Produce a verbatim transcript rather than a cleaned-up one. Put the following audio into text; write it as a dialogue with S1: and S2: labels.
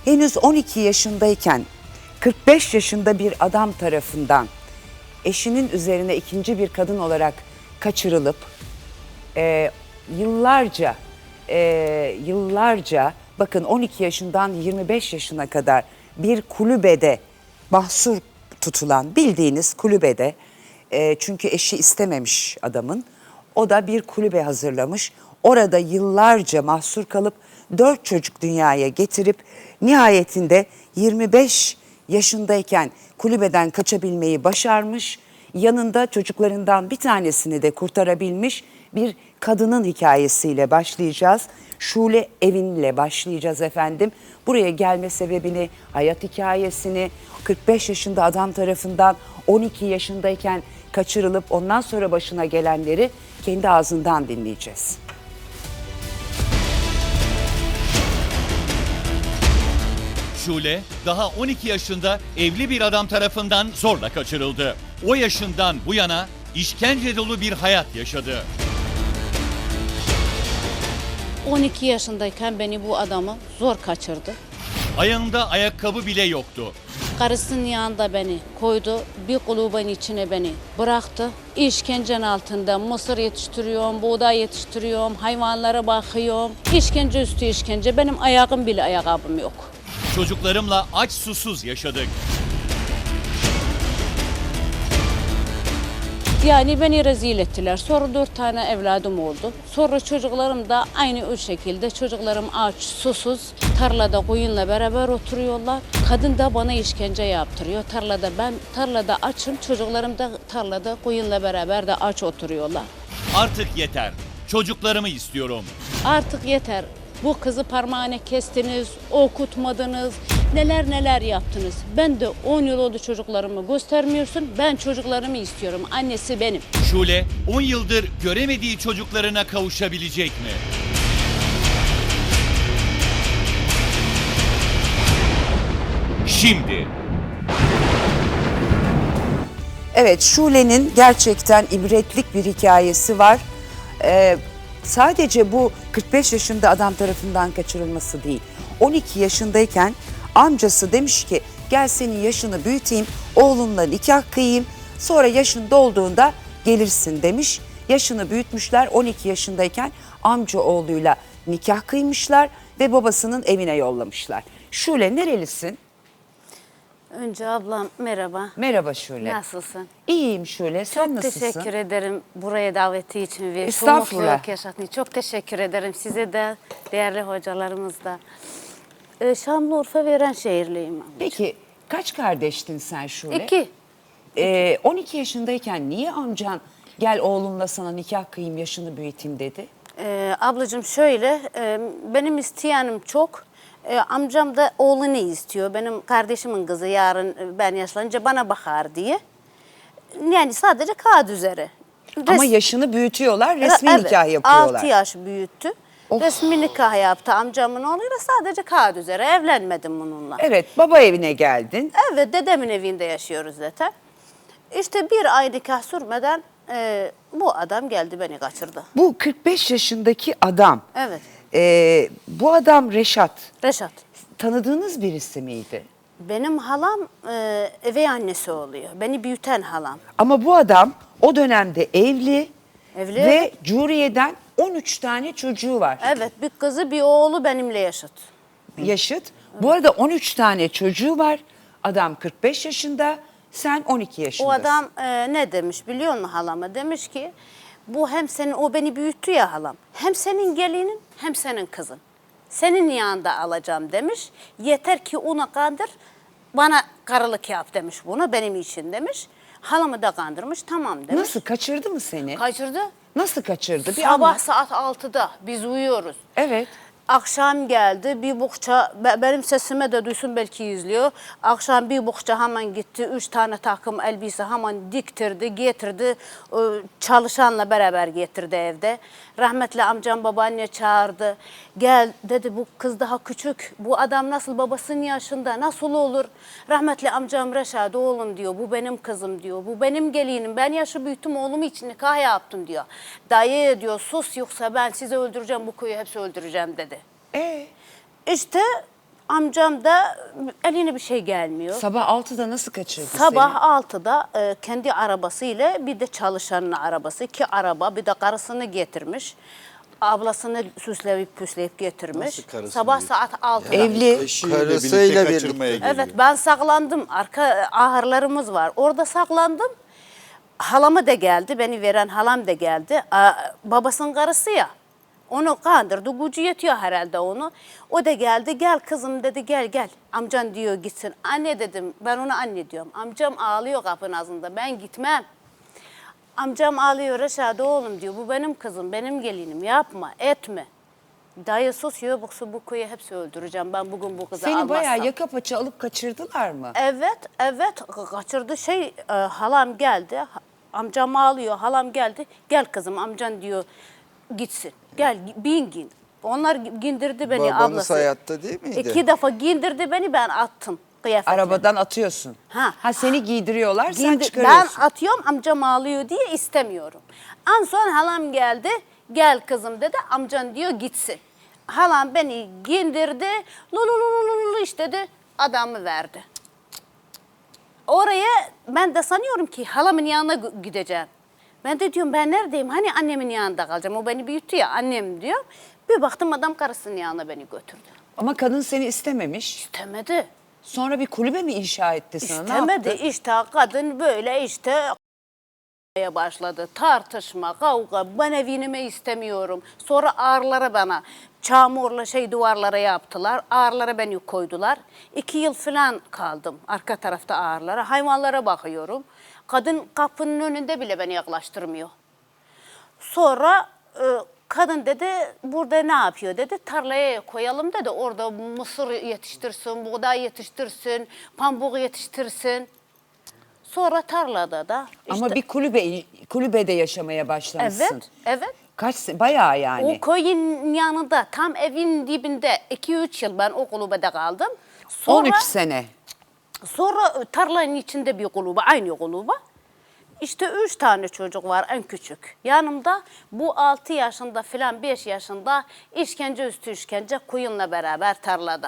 S1: henüz on iki yaşındayken kırk beş yaşında bir adam tarafından eşinin üzerine ikinci bir kadın olarak kaçırılıp e, yıllarca e, yıllarca bakın on iki yaşından yirmi beş yaşına kadar bir kulübede mahsur tutulan, bildiğiniz kulübede, e, çünkü eşi istememiş adamın, o da bir kulübe hazırlamış. Orada yıllarca mahsur kalıp dört çocuk dünyaya getirip nihayetinde yirmi beş yaşındayken kulübeden kaçabilmeyi başarmış. Yanında çocuklarından bir tanesini de kurtarabilmiş bir kadının hikayesiyle başlayacağız. Şule Evin'le başlayacağız efendim. Buraya gelme sebebini, hayat hikayesini, kırk beş yaşında adam tarafından on iki yaşındayken kaçırılıp ondan sonra başına gelenleri kendi ağzından dinleyeceğiz.
S2: Şule daha on iki yaşında evli bir adam tarafından zorla kaçırıldı. O yaşından bu yana işkence dolu bir hayat yaşadı.
S3: on iki yaşındayken beni bu adamı zor kaçırdı.
S2: Ayağında ayakkabı bile yoktu.
S3: Karısının yanında beni koydu, bir kulübenin içine beni bıraktı. İşkencenin altında mısır yetiştiriyorum, buğday yetiştiriyorum, hayvanlara bakıyorum. İşkence üstü işkence, benim ayağım bile ayakkabım yok.
S2: Çocuklarımla aç susuz yaşadık.
S3: Yani beni rezil ettiler. Sonra dört tane evladım oldu. Sonra çocuklarım da aynı o şekilde. Çocuklarım aç, susuz. Tarlada koyunla beraber oturuyorlar. Kadın da bana işkence yaptırıyor. Tarlada ben tarlada açım. Çocuklarım da tarlada koyunla beraber de aç oturuyorlar.
S2: Artık yeter. Çocuklarımı istiyorum.
S3: Artık yeter. Bu kızı parmağına kestiniz, okutmadınız, neler neler yaptınız. Ben de on yıl oldu çocuklarımı göstermiyorsun. Ben çocuklarımı istiyorum. Annesi benim.
S2: Şule on yıldır göremediği çocuklarına kavuşabilecek mi? Şimdi.
S1: Evet, Şule'nin gerçekten ibretlik bir hikayesi var. Ee, sadece bu kırk beş yaşında adam tarafından kaçırılması değil. on iki yaşındayken amcası demiş ki gel senin yaşını büyüteyim, oğlunla nikah kıyayım, sonra yaşın dolduğunda gelirsin demiş. Yaşını büyütmüşler, on iki yaşındayken amca oğluyla nikah kıymışlar ve babasının evine yollamışlar. Şule, nerelisin?
S3: Önce ablam merhaba.
S1: Merhaba Şule.
S3: Nasılsın?
S1: İyiyim Şule, sen
S3: Çok
S1: nasılsın?
S3: teşekkür ederim buraya daveti için ve şu
S1: Estağfurullah.
S3: mutluluk yaşattığın için. Çok teşekkür ederim size de, değerli hocalarımız da. Ee, Şanlıurfa Verenşehirliyim. abla.
S1: Peki kaç kardeştin sen Şule?
S3: İki.
S1: Ee, on iki yaşındayken niye amcan gel oğlumla sana nikah kıyayım, yaşını büyüteyim dedi?
S3: Ee, ablacığım şöyle, e, benim isteyenim çok. E, amcam da oğlunu istiyor. Benim kardeşimin kızı yarın e, ben yaşlanınca bana bakar diye. Yani sadece kağıt üzere.
S1: Ama
S3: Res-
S1: yaşını büyütüyorlar, resmi
S3: Evet,
S1: nikah yapıyorlar.
S3: altı yaş büyüttü.
S1: Of.
S3: Resmi nikah yaptı amcamın oğluyla, sadece kağıt üzere, evlenmedim bununla.
S1: Evet, baba evine geldin.
S3: Evet, dedemin evinde yaşıyoruz zaten. İşte bir ay nikah sürmeden e, bu adam geldi beni kaçırdı.
S1: Bu kırk beş yaşındaki adam,
S3: Evet,
S1: e, bu adam Reşat,
S3: Reşat.
S1: tanıdığınız birisi miydi?
S3: Benim halam e, üvey annesi oluyor. Beni büyüten halam.
S1: Ama bu adam o dönemde evli,
S3: Evli.
S1: ve Curiye'den on üç tane çocuğu var.
S3: Evet, bir kızı bir oğlu benimle yaşıt.
S1: Yaşıt. Bu arada on üç tane çocuğu var. Adam kırk beş yaşında, sen on iki yaşındasın.
S3: O adam e, ne demiş biliyor musun halama? Demiş ki bu hem senin, o beni büyüttü ya halam. Hem senin gelinin hem senin kızın. Senin yanında alacağım demiş. Yeter ki onu kandır, bana karılık yap demiş bunu benim için demiş. Halamı da kandırmış, tamam demiş.
S1: Nasıl, kaçırdı mı seni?
S3: Kaçırdı.
S1: Nasıl kaçırdı? Bir
S3: Sabah
S1: anlat.
S3: saat altıda biz uyuyoruz.
S1: Evet.
S3: Akşam geldi bir buhça, be- benim sesime de duysun belki izliyor. Akşam bir buhça hemen gitti, üç tane takım elbise hemen diktirdi, getirdi. Ee, Çalışanla beraber getirdi evde. Rahmetli amcam babaanne çağırdı. Gel dedi, bu kız daha küçük, bu adam nasıl babasının yaşında, nasıl olur? Rahmetli amcam Reşat, oğlum diyor, bu benim kızım diyor, bu benim gelinim, ben yaşı büyüttüm, oğlum için nikah yaptım diyor. Dayı diyor, sus yoksa ben sizi öldüreceğim, bu köyü hepsi öldüreceğim dedi.
S1: Ee?
S3: İşte Amcam da eline bir şey gelmiyor.
S1: Sabah altıda nasıl kaçırdı
S3: Sabah
S1: seni?
S3: altıda e, kendi arabasıyla bir de çalışanın arabası, iki araba, bir de karısını getirmiş. Ablasını süsleyip püsleyip getirmiş.
S4: Nasıl karısını
S3: Sabah
S4: getirmiş?
S3: saat altıda.
S1: Evli.
S4: Eşiyle
S5: Karısıyla
S4: birlikte
S5: birlikte.
S4: kaçırmaya geliyor.
S3: Evet, ben saklandım. Arka ahırlarımız var. Orada saklandım. Halamı da geldi. Beni veren halam da geldi. Aa, babasının karısı ya. Onu kandırdı. Gücü yetiyor herhalde onu. O da geldi. Gel kızım dedi. Gel gel. Amcan diyor gitsin. Anne dedim. Ben ona anne diyorum. Amcam ağlıyor kapının ağzında. Ben gitmem. Amcam ağlıyor aşağıda oğlum diyor. Bu benim kızım. Benim gelinim. Yapma. Etme. Dayı sus. Yok bu bu köyü hepsi öldüreceğim. Ben bugün bu kızı
S1: Seni
S3: almazsam.
S1: bayağı yaka paça alıp kaçırdılar mı?
S3: Evet, evet kaçırdı şey e, halam geldi. Ha- Amcam ağlıyor. Halam geldi. Gel kızım amcan diyor gitsin. Gel bin gin. Onlar gindirdi beni
S5: Babanız
S3: ablası.
S5: hayatta değil miydi?
S3: İki defa gindirdi beni ben attım kıyafetini.
S1: Arabadan atıyorsun.
S3: Ha.
S1: Ha seni giydiriyorlar, sen
S3: Giydi-
S1: çıkarıyorsun.
S3: Ben atıyorum amcam ağlıyor diye istemiyorum. En son halam geldi. Gel kızım dedi. Amcan diyor gitsin. Halam beni gindirdi. Lululululu işte dedi. Adamı verdi. Oraya ben de sanıyorum ki halamın yanına gü- gideceğim. Ben de diyorum ben neredeyim? Hani annemin yanında kalacağım. O beni büyüttü ya annem diyor. Bir baktım adam karısının yanına beni götürdü.
S1: Ama kadın seni istememiş.
S3: İstemedi.
S1: Sonra bir kulübe mi inşa etti sana? Ne
S3: İstemedi.
S1: yaptı?
S3: İşte kadın böyle işte başladı. Tartışma, kavga. Ben evimi istemiyorum. Sonra ağırlara bana çamurla şey duvarlara yaptılar. Ağırlara beni koydular. İki yıl falan kaldım arka tarafta ağırlara. Hayvanlara bakıyorum. Kadın kapının önünde bile beni yaklaştırmıyor. Sonra e, kadın dedi burada ne yapıyor dedi. Tarlaya koyalım dedi. Orada mısır yetiştirsin, buğday yetiştirsin, pamuk yetiştirsin. Sonra tarlada da işte,
S1: Ama bir kulübe kulübede yaşamaya başlamışsın.
S3: evet, evet.
S1: Kaç se- bayağı yani.
S3: O köyün yanında tam evin dibinde iki üç yıl ben o kulübede kaldım. Sonra,
S1: on üç sene.
S3: Sonra tarlanın içinde bir kulübe, aynı kulübe. İşte üç tane çocuk var en küçük. Yanımda bu altı yaşında filan beş yaşında işkence üstü işkence koyunla beraber tarlada.